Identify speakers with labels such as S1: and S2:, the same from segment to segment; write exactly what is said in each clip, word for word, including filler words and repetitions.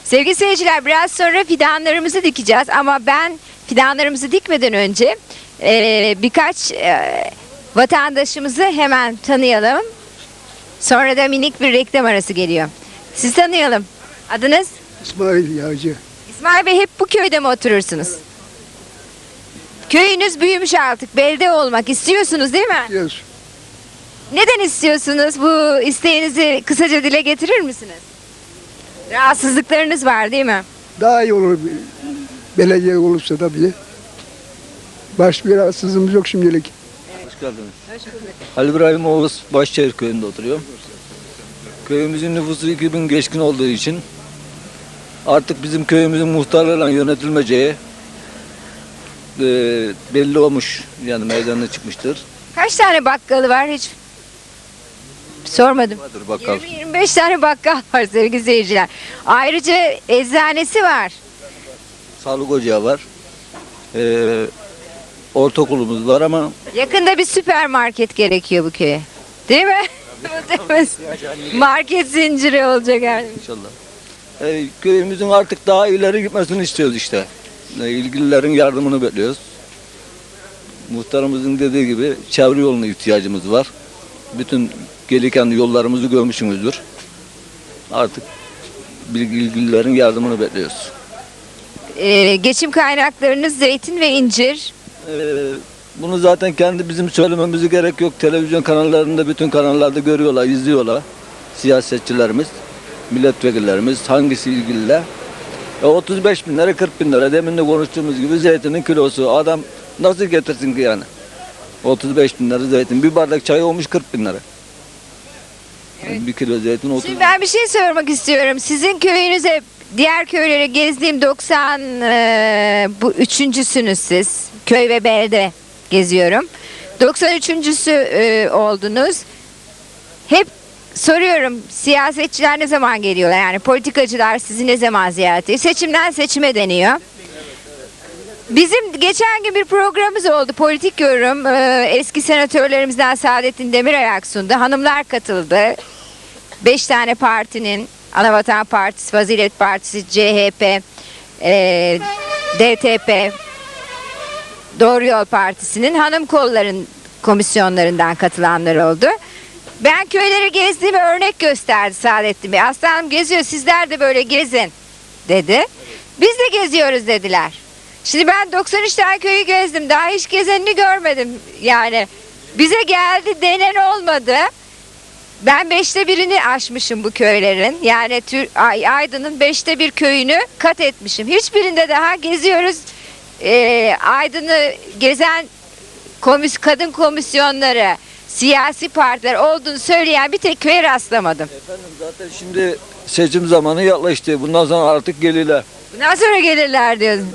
S1: Sevgili seyirciler, biraz sonra fidanlarımızı dikeceğiz ama ben fidanlarımızı dikmeden önce e, birkaç e, vatandaşımızı hemen tanıyalım. Sonra da minik bir reklam arası geliyor. Sizi tanıyalım. Adınız?
S2: İsmail Yağcı.
S1: İsmail Bey, hep bu köyde mi oturursunuz? Köyünüz büyümüş artık, belde olmak istiyorsunuz değil mi?
S2: Diyoruz.
S1: Neden istiyorsunuz? Bu isteğinizi kısaca dile getirir misiniz? Rahatsızlıklarınız var değil mi?
S2: Daha iyi olur belediye olursa tabii. Başka bir rahatsızlığımız yok şimdilik.
S3: Hoş geldiniz. Ali İbrahim Oğuz Başçayır köyünde oturuyorum. Köyümüzün nüfusu iki bin geçkin olduğu için artık bizim köyümüzün muhtarlarla yönetilmeyeceği e, belli olmuş, yani meydana çıkmıştır.
S1: Kaç tane bakkalı var hiç sormadım.
S3: Vardır bakkal.
S1: yirmi yirmi beş tane bakkal var sevgili seyirciler. Ayrıca eczanesi var.
S3: Sağlık ocağı var. E, ortaokulumuz var ama
S1: Yakında bir süpermarket gerekiyor bu köye. Değil mi? Market zinciri olacak yani.
S3: inşallah. E, köyümüzün artık daha ileri gitmesini istiyoruz işte. E, ilgililerin yardımını bekliyoruz. Muhtarımızın dediği gibi çevre yoluna ihtiyacımız var. Bütün gelirken yollarımızı görmüşsünüzdür. Artık bilgi- ilgililerin yardımını bekliyoruz.
S1: Ee, geçim kaynaklarınız zeytin ve incir.
S3: Ee, bunu zaten kendi bizim söylememize gerek yok. Televizyon kanallarında, bütün kanallarda görüyorlar, izliyorlar. Siyasetçilerimiz, milletvekillerimiz hangisi ilgililer. E, otuz beş bin lira, kırk bin lira. Demin de konuştuğumuz gibi zeytinin kilosu. Adam nasıl getirsin ki yani? otuz beş bin lira zeytin. Bir bardak çay olmuş kırk bin lira. Yani bir kilo zeytin otuz.
S1: Şimdi ben bir şey sormak istiyorum. Sizin köyünüze, diğer köylere gezdiğim doksan e, bu üçüncüsünüz siz. Köy ve belde geziyorum. doksan üçüncüsü e, oldunuz. Hep soruyorum, siyasetçiler ne zaman geliyorlar? Yani politikacılar sizi ne zaman ziyaret ediyor? Seçimden seçime deniyor. Bizim geçen gün bir programımız oldu. Politik yorum. Ee, eski senatörlerimizden Saadettin Demirayak sundu. Hanımlar katıldı. Beş tane partinin, Anavatan Partisi, Fazilet Partisi, C H P, e, D T P, Doğru Yol Partisi'nin hanım kolların komisyonlarından katılanlar oldu. Ben köyleri gezdiğimi örnek gösterdi Saadettin Bey. Aslanım geziyor, sizler de böyle gezin dedi. Biz de geziyoruz dediler. Şimdi ben doksan üç tane köyü gezdim. Daha hiç gezenini görmedim. Yani bize geldi denen olmadı. Ben beşte birini aşmışım bu köylerin. Yani Tür Ay- Aydın'ın beşte bir köyünü kat etmişim. Hiçbirinde daha geziyoruz. Ee, Aydın'ı gezen komis kadın komisyonları, siyasi partiler olduğunu söyleyen bir tek köye rastlamadım.
S3: Efendim zaten şimdi seçim zamanı yaklaştı. Bundan sonra artık gelirler.
S1: Bundan sonra gelirler diyorsun.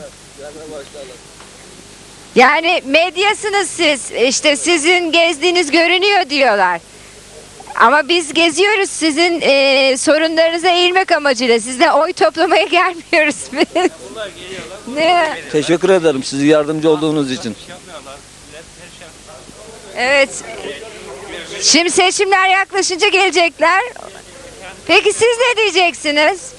S1: Yani medyasınız siz. İşte sizin gezdiğiniz görünüyor diyorlar. Ama biz geziyoruz sizin e, sorunlarınıza eğilmek amacıyla. Sizden oy toplamaya gelmiyoruz biz. Ne?
S3: Teşekkür ederim sizi yardımcı olduğunuz için.
S1: Evet. Şimdi seçimler yaklaşınca gelecekler. Peki siz ne diyeceksiniz?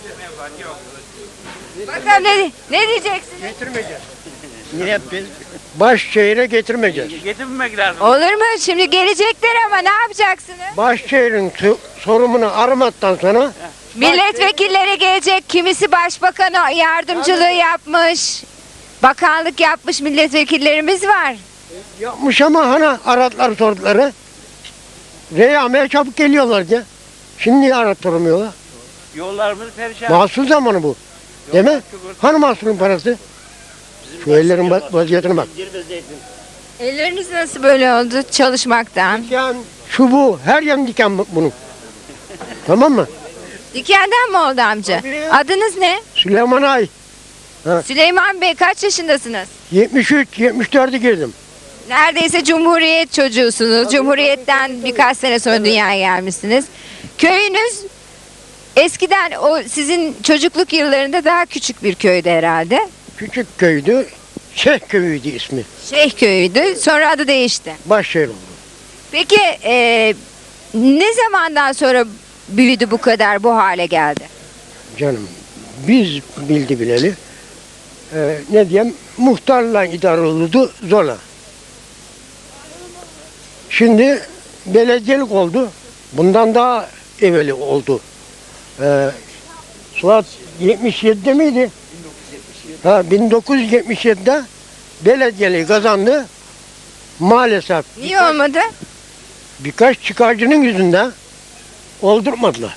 S1: Bakalım ne, ne diyeceksiniz?
S4: Getirmeyeceğiz. Niye biz Başşehir'e getirmeyeceğiz.
S5: Getirmemek lazım.
S1: Olur mu? Şimdi gelecekler ama ne yapacaksınız?
S4: Başşehir'in tu- sorumunu aramaktan sonra
S1: Milletvekilleri gelecek. Kimisi başbakan yardımcılığı yapmış. Bakanlık yapmış milletvekillerimiz var.
S4: yapmış ama hani aradılar sorduları. Reyameye çabuk geliyorlar ya. Şimdi niye arattırmıyorlar?
S5: Yollarımız perişan.
S4: Mahsul zamanı bu. Değil mi? Hani mahsulün parası? Şu ellerin va- vaziyetine bak.
S1: Elleriniz nasıl böyle oldu çalışmaktan?
S4: Diken, şu bu. Her yan diken bu- bunun. Tamam mı?
S1: Dikenden mi oldu amca?
S4: Tabii.
S1: Adınız ne?
S4: Süleyman Ay.
S1: Süleyman Bey, kaç yaşındasınız?
S4: yetmiş üç yetmiş dörde girdim.
S1: Neredeyse Cumhuriyet çocuğusunuz. Cumhuriyetten birkaç sene sonra dünyaya gelmişsiniz. Köyünüz eskiden o sizin çocukluk yıllarında daha küçük bir köydü herhalde.
S4: Küçük köydü. Şeyh köyüydü ismi.
S1: Şeyh köyüydü. Sonra adı değişti.
S4: Başşehir oldu.
S1: Peki e, ne zamandan sonra büyüdü bu kadar, bu hale geldi?
S4: Canım biz bildi bileli e, ne diyeyim muhtarla idare olurdu zorla. Şimdi belediyelik oldu. Bundan daha evveli oldu. Ee, Suat yetmiş yedide miydi? Ha, bin dokuz yüz yetmiş yedide belediyeliği kazandı. Maalesef
S1: Niye olmadı?
S4: birkaç çıkarcının yüzünden oldurmadılar.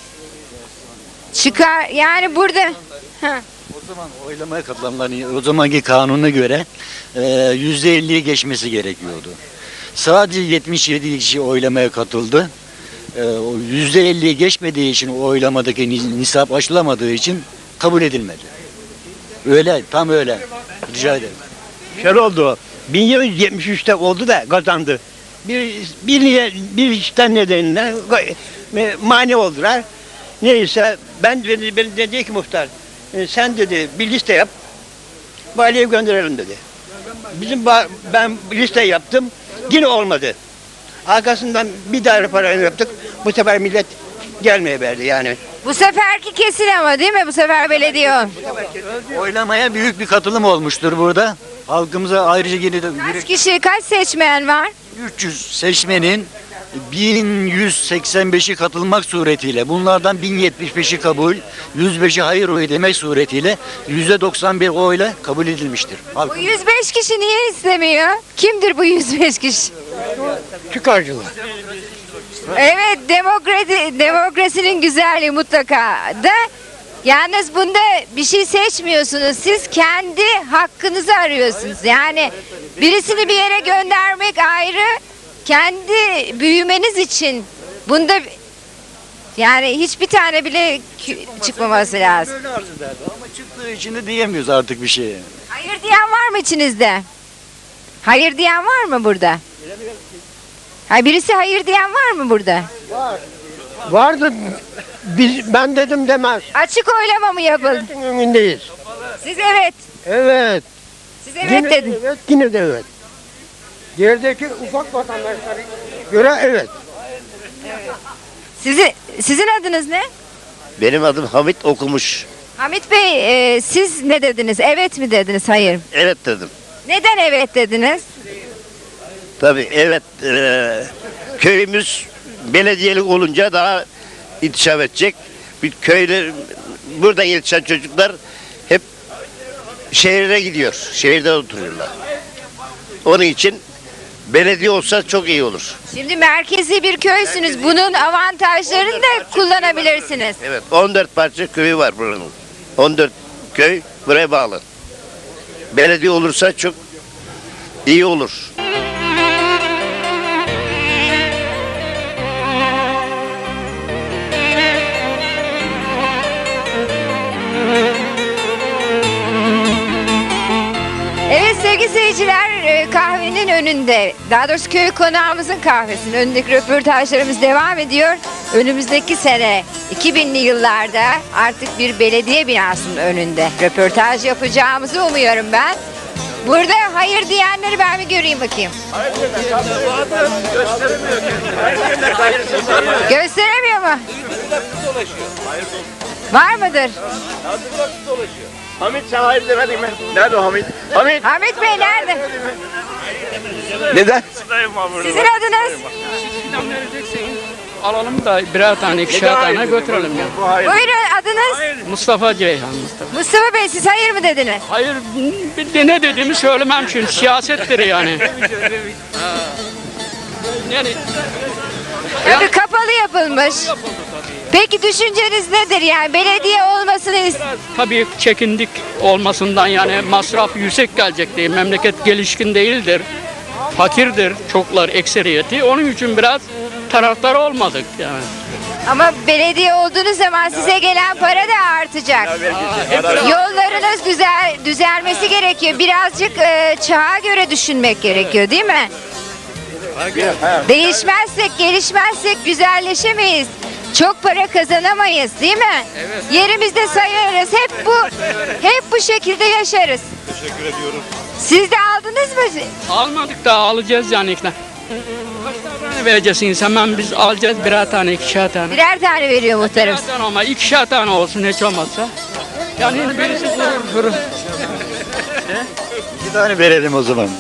S1: Çıkar yani burada. Ha.
S6: O zaman oylamaya katılanların o zamanki kanuna göre e, yüzde elliyi geçmesi gerekiyordu. Sadece yetmiş yedi kişi oylamaya katıldı. E, o yüzde elliyi geçmediği için o oylamadaki ni- nisap aşılamadığı için kabul edilmedi. Öyle, tam öyle. Rica ederim.
S7: Şöyle oldu. bin yedi yüz yetmiş üçte oldu da kazandı. Bir bir niye bir işten nedeniyle e, mani oldular. Neyse ben dedi, ben dedi ki muhtar e, sen dedi bir liste yap. Valiye gönderelim dedi. Bizim ba- ben liste yaptım. Yine olmadı. Arkasından bir daire parayla yaptık. Bu sefer millet gelmeye verdi yani.
S1: Bu seferki kesin ama değil mi? Bu sefer belediye ol.
S6: Oylamaya büyük bir katılım olmuştur burada. Halkımıza ayrıca yine de
S1: Kaç kişi, kaç seçmen var?
S6: üç yüz seçmenin bin yüz seksen beşi katılmak suretiyle, bunlardan bin yetmiş beşi kabul, yüz beşi hayır oyu demek suretiyle yüzde doksan bir oyla kabul edilmiştir.
S1: Bu
S6: Halk-
S1: yüz beş kişi niye istemiyor? Kimdir bu yüz beş kişi?
S4: Çıkarcılar.
S1: Evet, demokrasi, demokrasinin güzelliği mutlaka da. Yalnız bunda bir şey seçmiyorsunuz. Siz kendi hakkınızı arıyorsunuz. Yani birisini bir yere göndermek ayrı, kendi büyümeniz için bunda yani hiçbir tane bile kü- çıkmaması lazım.
S6: Böyle arz ederdi ama çıktığı için de diyemiyoruz artık bir şey.
S1: Hayır diyen var mı içinizde? Hayır diyen var mı burada? Ha, birisi hayır diyen var mı burada?
S4: Vardı biz ben dedim demez.
S1: Açık oylama mı yapıldı?
S4: Milletin önündeyiz.
S1: Siz evet.
S4: Evet.
S1: Siz evet
S4: Yine de
S1: dedin.
S4: evet, yine de evet. Yerdeki ufak vatandaşlara göre evet.
S1: Sizi, sizin adınız ne?
S8: Benim adım Hamit Okumuş.
S1: Hamit Bey, e, siz ne dediniz? Evet mi dediniz? Hayır.
S8: Evet dedim.
S1: Neden evet dediniz?
S8: Tabii evet. eee, köyümüz belediyelik olunca daha intişaf edecek. Bir köyde burada yetişen çocuklar hep şehire gidiyor. Şehirde oturuyorlar. Onun için belediye olsa çok iyi olur.
S1: Şimdi merkezi bir köysünüz. Bunun avantajlarını da kullanabilirsiniz.
S8: Evet, on dört parça köyü var buranın. on dört köy buraya bağlı. Belediye olursa çok iyi olur.
S1: Evet sevgili seyirciler, e, kahvenin önünde, daha doğrusu köy konağımızın kahvesinin önündeki röportajlarımız devam ediyor. Önümüzdeki sene iki binli yıllarda artık bir belediye binasının önünde röportaj yapacağımızı umuyorum ben. Burada hayır diyenleri ben bir göreyim bakayım. Gösteremiyor mu? Var mıdır?
S7: Hamit sen hayır demedin mi? Nerede o Hamit? Hamit!
S1: Hamit Bey nerede?
S7: Neden?
S1: Sizin adınız?
S9: Alalım da birer tane, ikişer tane götürelim ya.
S1: Buyurun adınız?
S9: Mustafa Ceyhan Mustafa.
S1: Mustafa Bey siz hayır mı dediniz?
S9: Hayır, bir de ne dediğimi söylemem çünkü siyasettir yani. Ha. Yani
S1: Tabii kapalı yapılmış. Peki düşünceniz nedir yani belediye olmasını ist-
S9: tabii çekindik olmasından, yani masraf yüksek gelecek diye, memleket gelişkin değildir. Fakirdir çoklar, ekseriyeti. Onun için biraz taraftar olmadık yani.
S1: ama belediye olduğunuz zaman size gelen para da artacak. Yollarınız düzel düzelmesi gerekiyor. Birazcık e, çağa göre düşünmek gerekiyor değil mi? Değişmezsek, gelişmezsek güzelleşemeyiz. Çok para kazanamayız değil mi? Yerimizde sayarız. Hep bu hep bu şekilde yaşarız. Teşekkür ediyorum. Siz de aldınız mı?
S9: Almadık da alacağız yani. Kaç tane vereceksiniz? Hemen biz alacağız birer tane, ikişer tane.
S1: Birer tane veriyor muhtarım.
S9: Birer tane ama ikişer tane olsun hiç olmazsa. Yani birisi durur durur.
S6: İki tane verelim o zaman.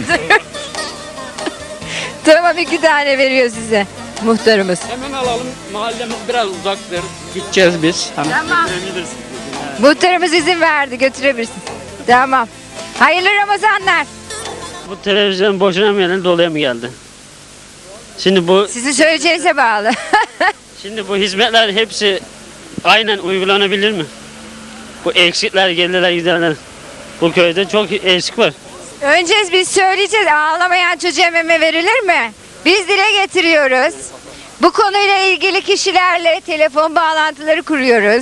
S1: Tamam, iki tane veriyor size muhtarımız.
S9: Hemen alalım. Mahallemiz biraz uzaktır. Gideceğiz biz. Hani
S1: Tamam. Muhtarımız izin verdi, götürebilirsin. Tamam. Hayırlı Ramazanlar.
S5: Bu televizyon boşuna mı geldi, doluya mı geldi? Şimdi bu
S1: Sizin söyleyeceğinize bağlı.
S5: şimdi bu hizmetler hepsi aynen uygulanabilir mi? Bu eksikler, gelirler, giderler. Bu köyde çok eksik var.
S1: Önce biz söyleyeceğiz. Ağlamayan çocuğa meme verilir mi? Biz dile getiriyoruz. Bu konuyla ilgili kişilerle telefon bağlantıları kuruyoruz.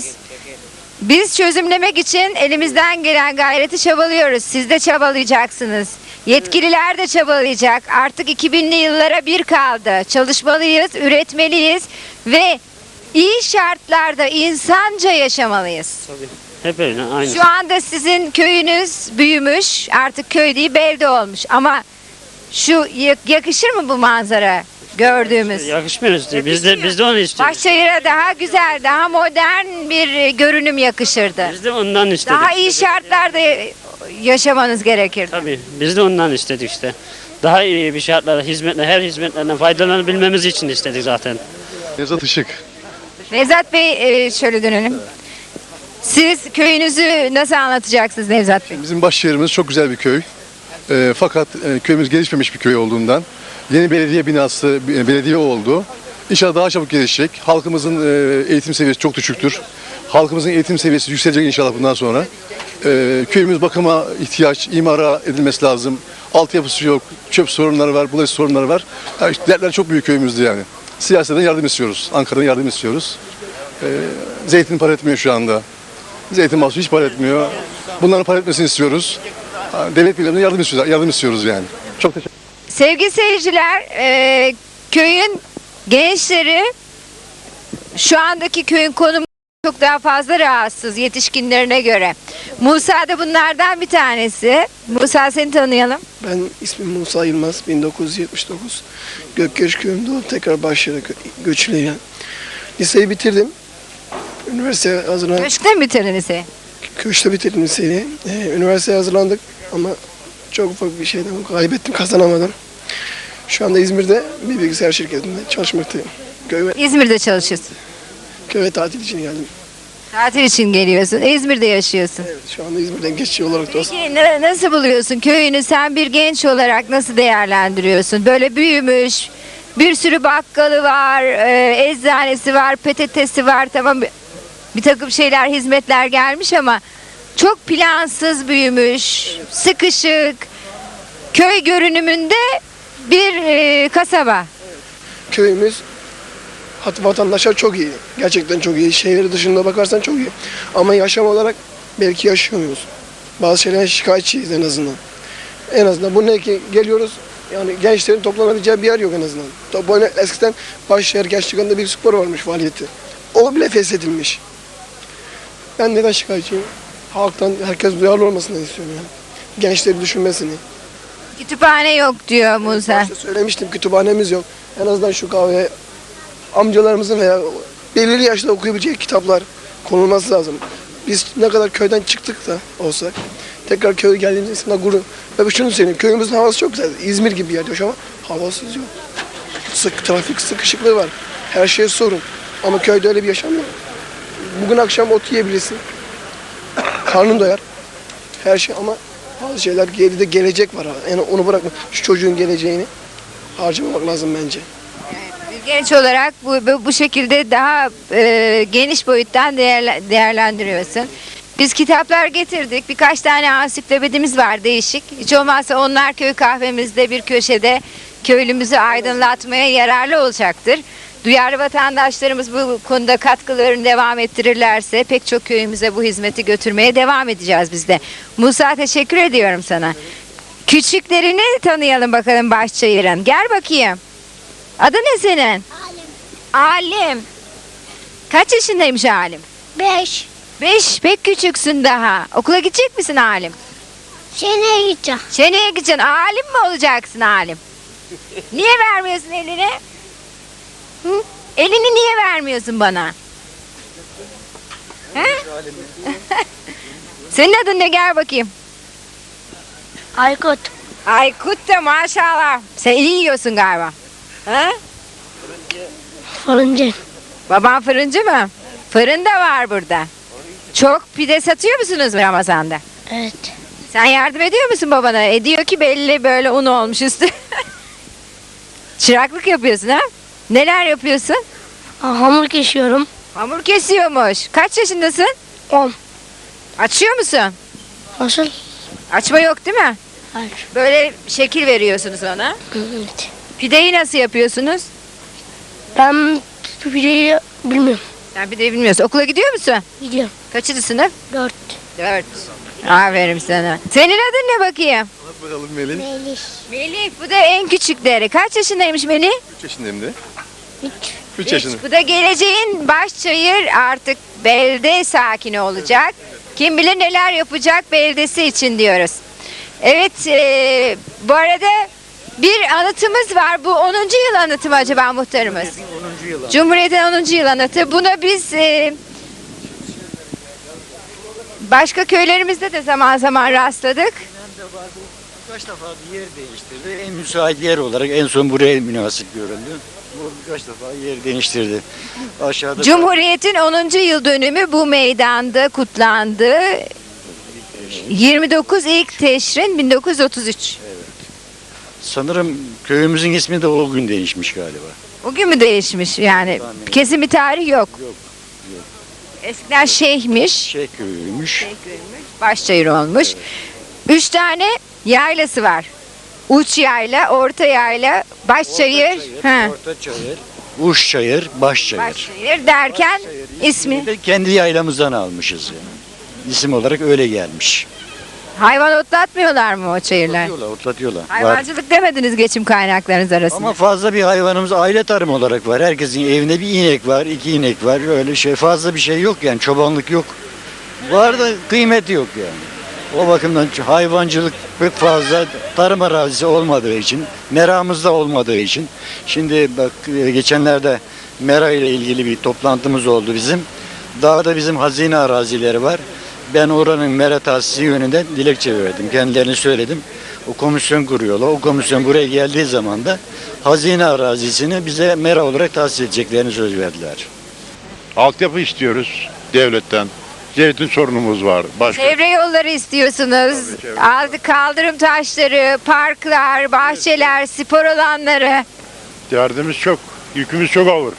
S1: Biz çözümlemek için elimizden gelen gayreti çabalıyoruz. Siz de çabalayacaksınız. Yetkililer de çabalayacak. Artık iki binli yıllara bir kaldı. Çalışmalıyız, üretmeliyiz ve iyi şartlarda insanca yaşamalıyız.
S5: Hep öyle, aynı.
S1: Şu anda sizin köyünüz büyümüş, artık köy değil belde olmuş ama şu yak- yakışır mı bu manzara gördüğümüz?
S5: Yakışmıyor işte. Biz de, biz de onu istiyoruz.
S1: Başşehir'e daha güzel, daha modern bir e, görünüm yakışırdı.
S5: Biz de ondan istedik.
S1: Daha iyi şartlarda yaşamanız gerekirdi.
S5: Tabii, biz de ondan istedik işte. Daha iyi bir şartlarda, hizmetle, her hizmetlerden faydalanabilmemiz için istedik zaten.
S10: Nevzat Işık.
S1: Nevzat Bey, e, şöyle dönelim. Siz köyünüzü nasıl anlatacaksınız Nevzat Bey?
S10: Bizim Başşehir'imiz çok güzel bir köy. Ee, fakat e, köyümüz gelişmemiş bir köy olduğundan yeni belediye binası, e, belediye oldu. İnşallah daha çabuk gelişecek. Halkımızın e, eğitim seviyesi çok düşüktür. Halkımızın eğitim seviyesi yükselecek inşallah bundan sonra. Ee, köyümüz bakıma ihtiyaç, imara edilmesi lazım. Altyapısı yok, çöp sorunları var, bulaşık sorunları var. Yani işte dertler çok büyük köyümüzde yani. Siyasetten yardım istiyoruz, Ankara'dan yardım istiyoruz. Ee, zeytin para etmiyor şu anda. Zeytin mahsulü hiç para etmiyor. Bunların para etmesini istiyoruz. Devlet birliğinden yardım istiyoruz, yardım istiyoruz yani. Çok teşekkür
S1: Sevgili seyirciler, e, köyün gençleri şu andaki köyün konumu çok daha fazla rahatsız yetişkinlerine göre. Musa da bunlardan bir tanesi. Musa, seni tanıyalım.
S11: Ben ismim Musa Yılmaz, bin dokuz yüz yetmiş dokuz. Gökgeç köyümde olup tekrar Başşehir'e gö- göçüyle yani. Liseyi bitirdim. Üniversiteye hazırlandık.
S1: Köşkte mi bitirdin liseyi?
S11: Köşte bitirdim liseyi. Ee, üniversiteye hazırlandık ama çok ufak bir şeyden kaybettim, kazanamadım. Şu anda İzmir'de bir bilgisayar şirketinde çalışmaktayım. Köy ve,
S1: İzmir'de çalışıyorsun.
S11: köy ve tatil için geldim.
S1: Tatil için geliyorsun. İzmir'de yaşıyorsun.
S11: Evet, şu anda İzmir'den geçici olarak da
S1: Peki na- nasıl buluyorsun köyünü? Sen bir genç olarak nasıl değerlendiriyorsun? Böyle büyümüş, bir sürü bakkalı var, e, eczanesi var, P T T'si var. Tamam, bir- bir takım şeyler, hizmetler gelmiş ama çok plansız büyümüş, sıkışık, köy görünümünde bir e, kasaba.
S11: köyümüz hat vatandaşlar çok iyi. Gerçekten çok iyi. Şehir dışında bakarsan çok iyi. Ama yaşam olarak belki yaşamıyoruz. Bazı şeylerden şikayetçiyiz en azından. En azından bu ne ki geliyoruz yani gençlerin toplanabileceği bir yer yok en azından. Top oyna- eskiden Başşehir Gençlik Anı'nda bir spor varmış faaliyeti. O bile feshedilmiş. Ben neden şikayetçiyim? Halktan herkes duyarlı olmasını istiyorum yani. Gençleri düşünmesini.
S1: Kütüphane yok diyor Musa.
S11: Başta söylemiştim kütüphanemiz yok. En azından şu kahveye amcalarımızın veya belirli yaşta okuyabileceği kitaplar konulması lazım. Biz ne kadar köyden çıktık da olsak tekrar köye geldiğimizde insanlar gurur. Ve şunu söyleyeyim, köyümüzün havası çok güzel. İzmir gibi bir yer yaşıyor ama havasız yok. Sık, trafik sıkışıklığı var. Her şey sorun. Ama köyde öyle bir yaşam yok. Bugün akşam ot yiyebilirsin. Karnın doyar. Her şey ama bazı şeyler geride gelecek var. Yani onu bırakma. Şu çocuğun geleceğini harcamamak lazım bence.
S1: Bir genç olarak bu, bu, bu şekilde daha e, geniş boyuttan değerle- değerlendiriyorsun. Biz kitaplar getirdik. Birkaç tane ansiklopedimiz var değişik. Hiç olmazsa onlar köy kahvemizde bir köşede köylümüzü aydınlatmaya yararlı olacaktır. Duyarlı vatandaşlarımız bu konuda katkılarını devam ettirirlerse pek çok köyümüze bu hizmeti götürmeye devam edeceğiz biz de. Musa, teşekkür ediyorum sana. Küçüklerini tanıyalım bakalım Başçayır'ın. Gel bakayım. Adı ne senin? Alim. Alim. Kaç yaşındaymış Alim?
S12: Beş.
S1: Beş. Pek küçüksün daha. Okula gidecek misin Alim?
S12: Seneye gideceğim.
S1: Seneye gideceksin. Alim mi olacaksın Alim? Niye vermiyorsun elini? Hı? Elini niye vermiyorsun bana? He? Senin adın ne, gel bakayım.
S12: Aykut.
S1: Aykut da maşallah. Sen iyi yiyorsun galiba. Ha?
S12: Fırıncı.
S1: Baban fırıncı mı? Fırın da var burada. Çok pide satıyor musunuz Ramazan'da?
S12: Evet.
S1: Sen yardım ediyor musun babana? Ediyor ki belli böyle un olmuş üstü. Çıraklık yapıyorsun ha? Neler yapıyorsun?
S12: Aa, hamur kesiyorum.
S1: Hamur kesiyormuş. Kaç yaşındasın?
S12: On.
S1: Açıyor musun?
S12: Nasıl?
S1: Açma yok değil mi?
S12: Hayır.
S1: Böyle şekil veriyorsunuz ona.
S12: Evet.
S1: Pideyi nasıl yapıyorsunuz?
S12: Ben pideyi bilmiyorum.
S1: Sen pideyi bilmiyorsun. Okula gidiyor musun?
S12: Gidiyorum.
S1: Kaçıncı sınıf?
S12: Dört.
S1: Dört. Aferin sana. Senin adın ne bakayım?
S10: Bakalım Melih.
S12: Melih.
S1: Melih. Bu da en küçükleri. Kaç yaşındaymış Melih?
S10: üç yaşındayım de.
S12: Üç.
S10: üç
S1: Üç.
S10: yaşında.
S1: Bu da geleceğin başçayır, artık belde sakini olacak. Kim bilir neler yapacak beldesi için diyoruz. Evet, e, bu arada bir anıtımız var. Bu onuncu yıl anıtı mı acaba muhtarımız?
S6: onuncu yıl.
S1: Cumhuriyet'in onuncu yıl anıtı. Buna biz e, başka köylerimizde de zaman zaman rastladık.
S6: Birkaç defa bir yer değiştirdi. En müsait yer olarak en son buraya münasip görüldü. Bu birkaç defa yer değiştirdi. Aşağıda
S1: Cumhuriyet'in onuncu yıl dönümü bu meydanda kutlandı. yirmi dokuz ilk Teşrin bin dokuz yüz otuz üç.
S6: sanırım köyümüzün ismi de o gün değişmiş galiba.
S1: O gün mü değişmiş yani? Kesin bir tarih yok.
S6: Yok.
S1: Eskiden şeyhmiş.
S6: Şey köyüymüş.
S1: Başçayır olmuş. Üç tane yaylası var. Uç yayla, orta yayla, başçayır, ha,
S6: Orta çayır, uç çayır, baş çayır.
S1: başçayır derken ismi.
S6: De kendi yaylamızdan almışız yani. İsim olarak öyle gelmiş.
S1: Hayvan otlatmıyorlar mı o çayırlar?
S6: Otlatıyorlar, otlatıyorlar. Var.
S1: Hayvancılık demediniz geçim kaynaklarınız arasında.
S6: Ama fazla bir hayvanımız aile tarım olarak var. Herkesin evinde bir inek var, iki inek var. Öyle şey fazla bir şey yok yani çobanlık yok. Var da kıymeti yok yani. O bakımdan hayvancılık pek fazla tarım arazisi olmadığı için, meramızda olmadığı için. Şimdi bak geçenlerde mera ile ilgili bir toplantımız oldu bizim. Dağda bizim hazine arazileri var. Ben oranın mera tahsisi yönünde dilekçe verdim. Kendilerine söyledim. O komisyon kuruyorlar. O komisyon buraya geldiği zaman da hazine arazisini bize mera olarak tahsis edeceklerini söz verdiler.
S13: Altyapı istiyoruz devletten. Zeytin sorunumuz var. Başka
S1: Çevre yolları istiyorsunuz.
S13: Tabii, çevre
S1: Aldı kaldırım taşları, parklar, bahçeler, spor alanları.
S13: derdimiz çok. Yükümüz çok ağır.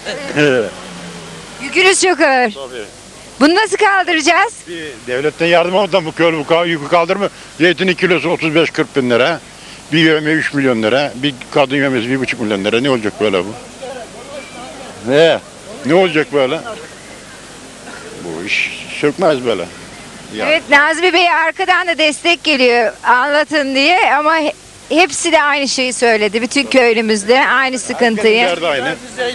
S1: Yükünüz çok ağır.
S13: Tabii.
S1: Bunu nasıl kaldıracağız?
S13: Bir devletten yardım almadan bu köy bu ka- yükü kaldırma. Zeytinin kilosu otuz beş kırk bin lira. Bir yeme üç milyon lira. Bir kadın yemesi bir buçuk milyon lira. Ne olacak böyle bu? Ne? Ne olacak böyle? Bu iş sökmez böyle. Ya.
S1: Evet, Nazmi Bey arkadan da destek geliyor anlatın diye ama he- hepsi de aynı şeyi söyledi. Bütün köylümüzde aynı sıkıntıyı.
S13: Derdi aynı.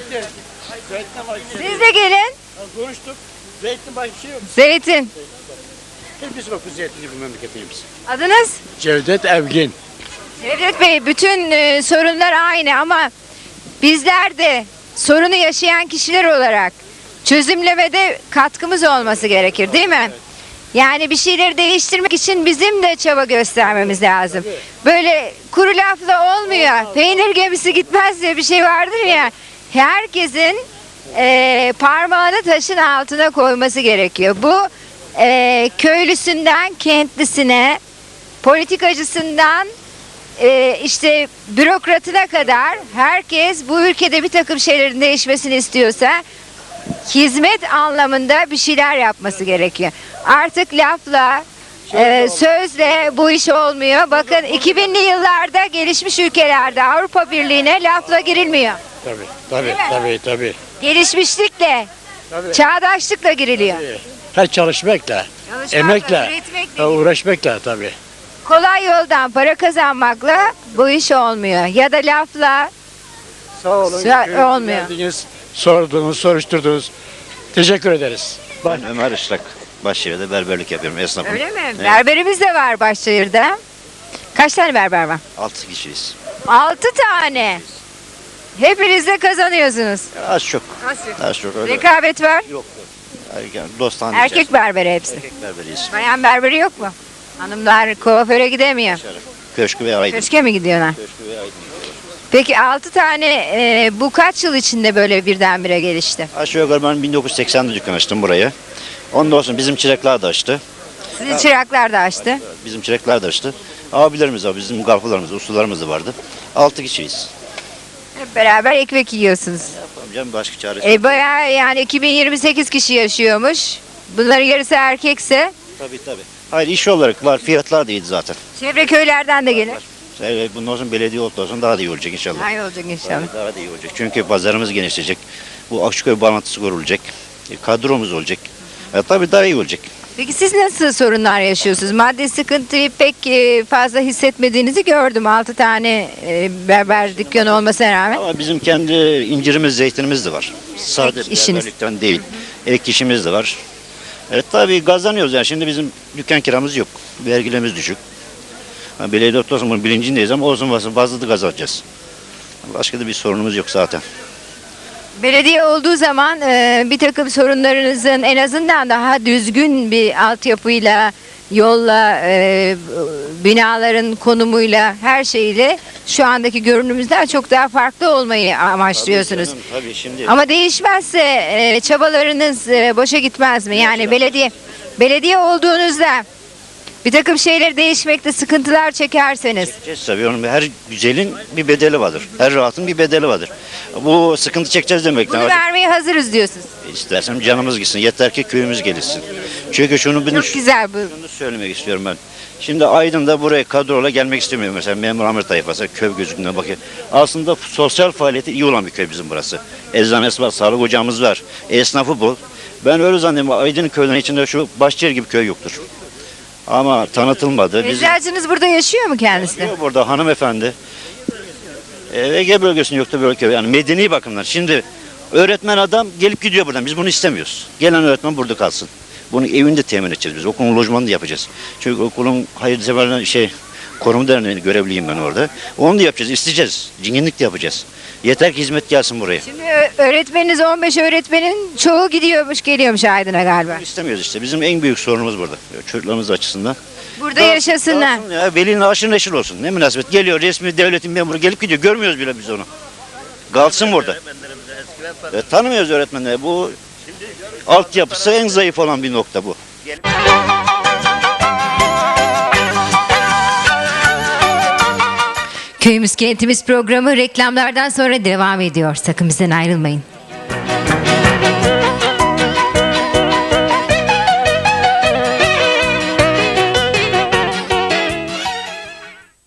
S1: Siz de gelin.
S7: Konuştuk. Zeytin başka bir şey yok.
S1: Zeytin.
S7: Hepsi bak bu zeytinci bu memleketimiz.
S1: Adınız?
S7: Cevdet Evgin.
S1: Cevdet Bey, bütün e, sorunlar aynı ama bizler de sorunu yaşayan kişiler olarak çözümlemede katkımız olması gerekir, değil mi? Yani bir şeyleri değiştirmek için bizim de çaba göstermemiz lazım. Böyle kuru lafla olmuyor. Peynir gemisi gitmez diye bir şey vardır ya. Herkesin e, parmağını taşın altına koyması gerekiyor. Bu e, köylüsünden kentlisine, politikacısından e, işte bürokratına kadar herkes bu ülkede bir takım şeylerin değişmesini istiyorsa hizmet anlamında bir şeyler yapması gerekiyor. Artık lafla, e, sözle bu iş olmuyor. Bakın iki binli yıllarda gelişmiş ülkelerde Avrupa Birliği'ne lafla girilmiyor.
S7: Tabii tabii tabii tabii.
S1: Gelişmişlikle,
S7: Tabii.
S1: çağdaşlıkla giriliyor.
S7: Her çalışmakla,
S1: Çalışmakla,
S7: emekle,
S1: üretmekle,
S7: ha, uğraşmakla tabii.
S1: kolay yoldan para kazanmakla bu iş olmuyor. Ya da lafla
S7: Sağ olun.
S1: Sa-
S7: köyümüze
S1: olmuyor.
S7: geldiniz, sordunuz, soruşturdunuz. Teşekkür ederiz.
S8: Ben Ömer Işlak. Başşehir'de berberlik yapıyorum esnafım.
S1: öyle mi? Berberimiz de var Başşehir'de. Kaç tane berber var?
S8: Altı kişiyiz.
S1: Altı tane. Hepiniz de kazanıyorsunuz.
S8: Az çok.
S1: Nasıl?
S8: Az çok öyle.
S1: Rekabet var.
S8: Yok.
S6: Yani dostane
S1: Erkek berberi hepsi.
S6: Erkek berberiyiz.
S1: Bayan berberi yok mu? Hanımlar kuaföre gidemiyor.
S6: Köşkü ve Aydın.
S1: Köşke mi gidiyorlar?
S6: Köşkü ve Aydın.
S1: Peki altı tane e, bu kaç yıl içinde böyle birdenbire gelişti?
S6: Aşağı yukarı ben bin dokuz yüz seksende dükkan açtım burayı. Ondan sonra bizim çıraklar da açtı.
S1: Sizin çıraklar da açtı.
S6: Bizim çıraklar da açtı. Abilerimiz var, bizim garfılarımız, ustalarımız da vardı. Altı kişiyiz.
S1: Hep beraber ekmek yiyorsunuz.
S6: Tamam canım, başka çaresi
S1: E
S6: yok.
S1: bayağı yani iki bin yirmi sekiz kişi yaşıyormuş. Bunların yarısı erkekse
S6: Tabii tabii. Hayır, iş olarak var, fiyatlar da iyiydi zaten.
S1: çevre köylerden de gelir.
S6: Evet, bundan sonra belediye olduğu zaman daha da iyi olacak inşallah.
S1: Daha iyi olacak inşallah.
S6: Tabii, daha da iyi olacak. Çünkü pazarımız genişleyecek. Bu Akçaköy bağlantısı kurulacak. E, kadromuz olacak. E, tabii daha iyi olacak.
S1: Peki siz nasıl sorunlar yaşıyorsunuz? Maddi sıkıntıyı pek e, fazla hissetmediğinizi gördüm. Altı tane e, berber dükkanı olmasına rağmen.
S6: Ama bizim kendi incirimiz, zeytinimiz de var. Sade
S1: Ek işiniz.
S6: berberlikten değil. Ek işimiz de var. Evet tabii kazanıyoruz yani. Şimdi bizim dükkan kiramız yok. Vergilerimiz düşük. Ha, belediye olsun bunun bilincindeyiz ama olsun olsun fazla da kazanacağız. Başka da bir sorunumuz yok zaten.
S1: Belediye olduğu zaman e, bir takım sorunlarınızın en azından daha düzgün bir altyapıyla, yolla, e, binaların konumuyla, her şeyle şu andaki görünümüzden çok daha farklı olmayı amaçlıyorsunuz.
S6: Tabii, canım, tabii şimdi.
S1: Ama değişmezse e, çabalarınız e, boşa gitmez mi? Yani belediye belediye olduğunuzda bir takım şeyleri değişmekte sıkıntılar çekerseniz.
S6: Çekeceğiz tabii. Onun her güzelin bir bedeli vardır. Her rahatın bir bedeli vardır. Bu sıkıntı çekeceğiz demekten.
S1: Bunu vermeye hazırız diyorsunuz.
S6: İstersem canımız gitsin. Yeter ki köyümüz gelişsin. Çünkü şunu bir
S1: Çok güzel bu.
S6: şunu söylemek istiyorum ben. Şimdi Aydın'da buraya kadroyla gelmek istemiyorum. Mesela memur amir tayfası köy gözünden bakıyor. Aslında sosyal faaliyeti iyi olan bir köy bizim burası. Eczanesi var, sağlık ocağımız var. Esnafı bol. Ben öyle zannediyorum. Aydın köylerinin içinde şu Başçıyer gibi köy yoktur. Ama tanıtılmadı. Bizim
S1: Eczacınız burada yaşıyor mu kendisi? de?
S6: burada hanımefendi. E, Ege bölgesinde yoktu böyle köy. Yani medeni bakımdan. Şimdi öğretmen adam gelip gidiyor buradan. Biz bunu istemiyoruz. Gelen öğretmen burada kalsın. Bunu evinde temin edeceğiz biz. Okulun lojmanını da yapacağız. Çünkü okulun hayırseverliğine şey koruma derneğinin görevliyim ben orada. Onu da yapacağız. İsteyeceğiz. Cinginlik de yapacağız. Yeter ki hizmet gelsin buraya.
S1: Şimdi ö- öğretmeniniz on beş öğretmenin çoğu gidiyormuş geliyormuş Aydın'a galiba.
S6: Bunu istemiyoruz işte. Bizim en büyük sorunumuz burada. Çocuklarımız açısından.
S1: Burada yaşasınlar.
S6: Dağıtsın ya, velinin aşırı neşir olsun. Ne münasebet. Geliyor resmi devletin memuru gelip gidiyor. Görmüyoruz bile biz onu. Kalsın burada. E, tanımıyoruz öğretmenleri. Bu altyapısı en zayıf olan bir nokta bu.
S1: Köyümüz Kentimiz programı reklamlardan sonra devam ediyor. Sakın bizden ayrılmayın.